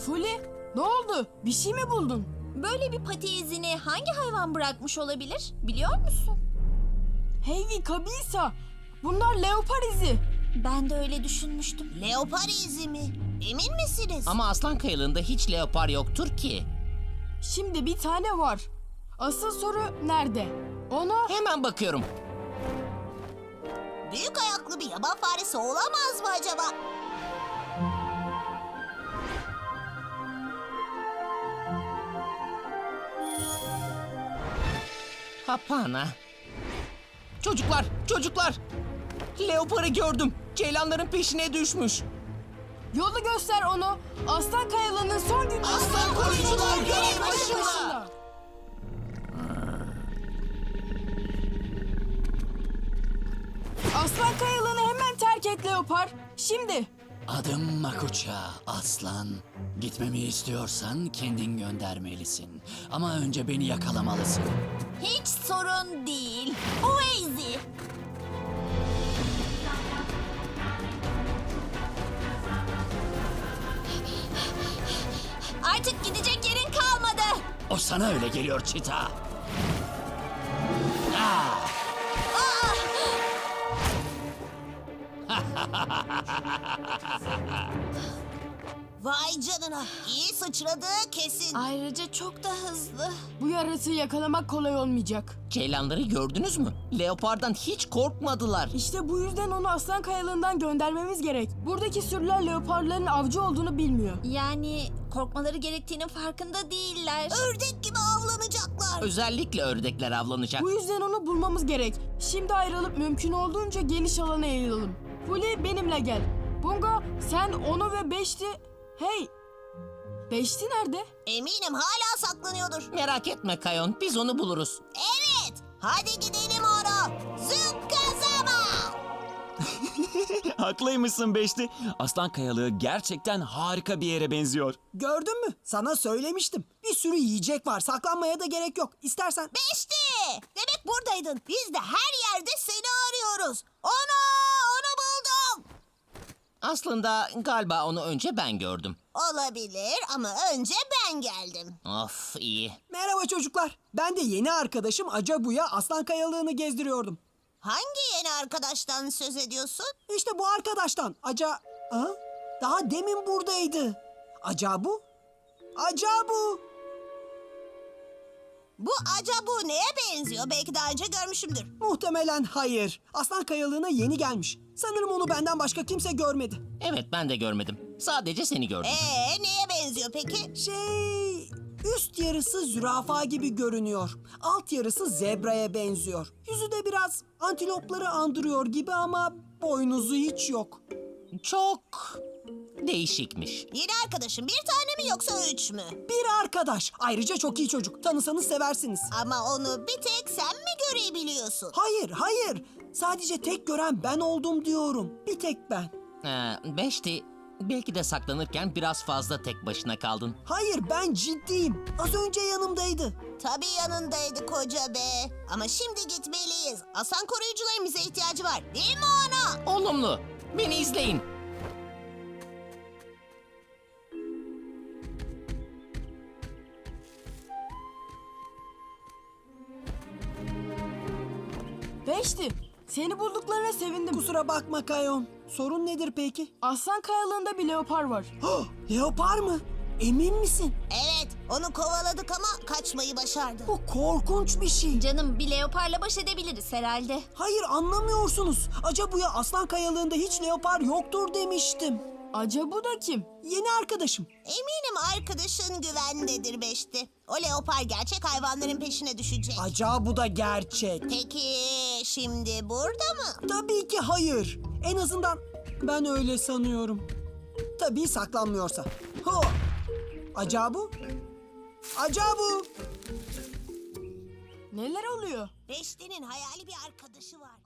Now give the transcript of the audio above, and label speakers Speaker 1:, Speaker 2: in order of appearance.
Speaker 1: Fuli, ne oldu? Bir şey mi buldun?
Speaker 2: Böyle bir pati izini hangi hayvan bırakmış olabilir? Biliyor musun?
Speaker 1: Heavy Kabisa, bunlar leopar izi.
Speaker 2: Ben de öyle düşünmüştüm.
Speaker 3: Leopar izi mi? Emin misiniz?
Speaker 4: Ama Aslan Kayalı'nda hiç leopar yoktur ki.
Speaker 1: Şimdi bir tane var. Asıl soru nerede? Ona...
Speaker 4: Hemen bakıyorum.
Speaker 3: Büyük ayaklı bir yaban faresi olamaz mı acaba?
Speaker 4: Hapana. Çocuklar, çocuklar! Leoparı gördüm. Ceylanların peşine düşmüş.
Speaker 1: Yolu göster onu. Aslan Kayalı'nın son günü.
Speaker 4: Aslan koruyucular görev başında.
Speaker 1: Aslan Kayalı'nı hemen terk et leopar. Şimdi.
Speaker 5: Adım Makuça, aslan. Gitmemi istiyorsan kendin göndermelisin. Ama önce beni yakalamalısın.
Speaker 2: Hiç sorun değil. Oazy. Artık gidecek yerin kalmadı.
Speaker 5: O sana öyle geliyor Çita.
Speaker 3: Vay canına. İyi sıçradığı kesin.
Speaker 2: Ayrıca çok da hızlı.
Speaker 1: Bu yaratığı yakalamak kolay olmayacak.
Speaker 4: Ceylanları gördünüz mü? Leopardan hiç korkmadılar.
Speaker 1: İşte bu yüzden onu Aslan Kayalığından göndermemiz gerek. Buradaki sürüler leoparların avcı olduğunu bilmiyor.
Speaker 2: Yani korkmaları gerektiğinin farkında değiller.
Speaker 3: Ördek gibi avlanacaklar.
Speaker 4: Özellikle ördekler avlanacak.
Speaker 1: Bu yüzden onu bulmamız gerek. Şimdi ayrılıp mümkün olduğunca geniş alana yayılalım. Fuli benimle gel. Bunga sen onu ve Beşti... Hey! Beşti nerede?
Speaker 3: Eminim hala saklanıyordur.
Speaker 4: Merak etme Kayon, biz onu buluruz.
Speaker 3: Evet. Hadi gidelim ona. Zıkkazama.
Speaker 6: Haklıymışsın Beşti. Aslan Kayalığı gerçekten harika bir yere benziyor.
Speaker 7: Gördün mü? Sana söylemiştim. Bir sürü yiyecek var. Saklanmaya da gerek yok. İstersen...
Speaker 3: Beşti. Demek buradaydın. Biz de her yerde seni arıyoruz. Onu buldum.
Speaker 4: Aslında galiba onu önce ben gördüm.
Speaker 3: Olabilir ama önce ben geldim.
Speaker 4: Of, iyi.
Speaker 7: Merhaba çocuklar. Ben de yeni arkadaşım Acabu'ya Aslan Kayalığını gezdiriyordum.
Speaker 3: Hangi yeni arkadaştan söz ediyorsun?
Speaker 7: İşte bu arkadaştan. Ha? Daha demin buradaydı. Acabu? Acabu!
Speaker 3: Bu acaba neye benziyor? Belki daha önce görmüşümdür.
Speaker 7: Muhtemelen hayır. Aslan Kayalığına yeni gelmiş. Sanırım onu benden başka kimse görmedi.
Speaker 4: Evet, ben de görmedim. Sadece seni gördüm.
Speaker 3: Neye benziyor peki?
Speaker 7: Üst yarısı zürafa gibi görünüyor. Alt yarısı zebraya benziyor. Yüzü de biraz antilopları andırıyor gibi ama boynuzu hiç yok.
Speaker 4: Çok değişikmiş.
Speaker 3: Yeni arkadaşın bir tane mi yoksa 3 mü?
Speaker 7: Bir arkadaş. Ayrıca çok iyi çocuk. Tanısanız seversiniz.
Speaker 3: Ama onu bir tek sen mi görebiliyorsun?
Speaker 7: Hayır. Sadece tek gören ben oldum diyorum. Bir tek ben.
Speaker 4: Beşti, belki de saklanırken biraz fazla tek başına kaldın.
Speaker 7: Hayır, ben ciddiyim. Az önce yanımdaydı.
Speaker 3: Tabii yanındaydı koca be. Ama şimdi gitmeliyiz. Aslan koruyucuların bize ihtiyacı var. Değil mi ona?
Speaker 4: Olumlu. Beni izleyin.
Speaker 1: Beşti, seni bulduklarına sevindim.
Speaker 7: Kusura bakma Kayon. Sorun nedir peki?
Speaker 1: Aslan Kayalığında bir leopar var.
Speaker 7: Leopar mı? Emin misin?
Speaker 3: Evet, onu kovaladık ama kaçmayı başardı.
Speaker 7: Bu korkunç bir şey.
Speaker 2: Canım, bir leoparla baş edebiliriz herhalde.
Speaker 7: Hayır, anlamıyorsunuz. Acabu'ya Aslan Kayalığında hiç leopar yoktur demiştim.
Speaker 1: Acabu da kim?
Speaker 7: Yeni arkadaşım.
Speaker 3: Eminim arkadaşın güvendedir Beşti. O leopar gerçek hayvanların peşine düşecek.
Speaker 7: Acabu da gerçek.
Speaker 3: Peki şimdi burada mı?
Speaker 7: Tabii ki hayır. En azından ben öyle sanıyorum. Tabii saklanmıyorsa. Ho! Acabu? Acabu!
Speaker 1: Neler oluyor?
Speaker 3: Beşti'nin hayali bir arkadaşı var.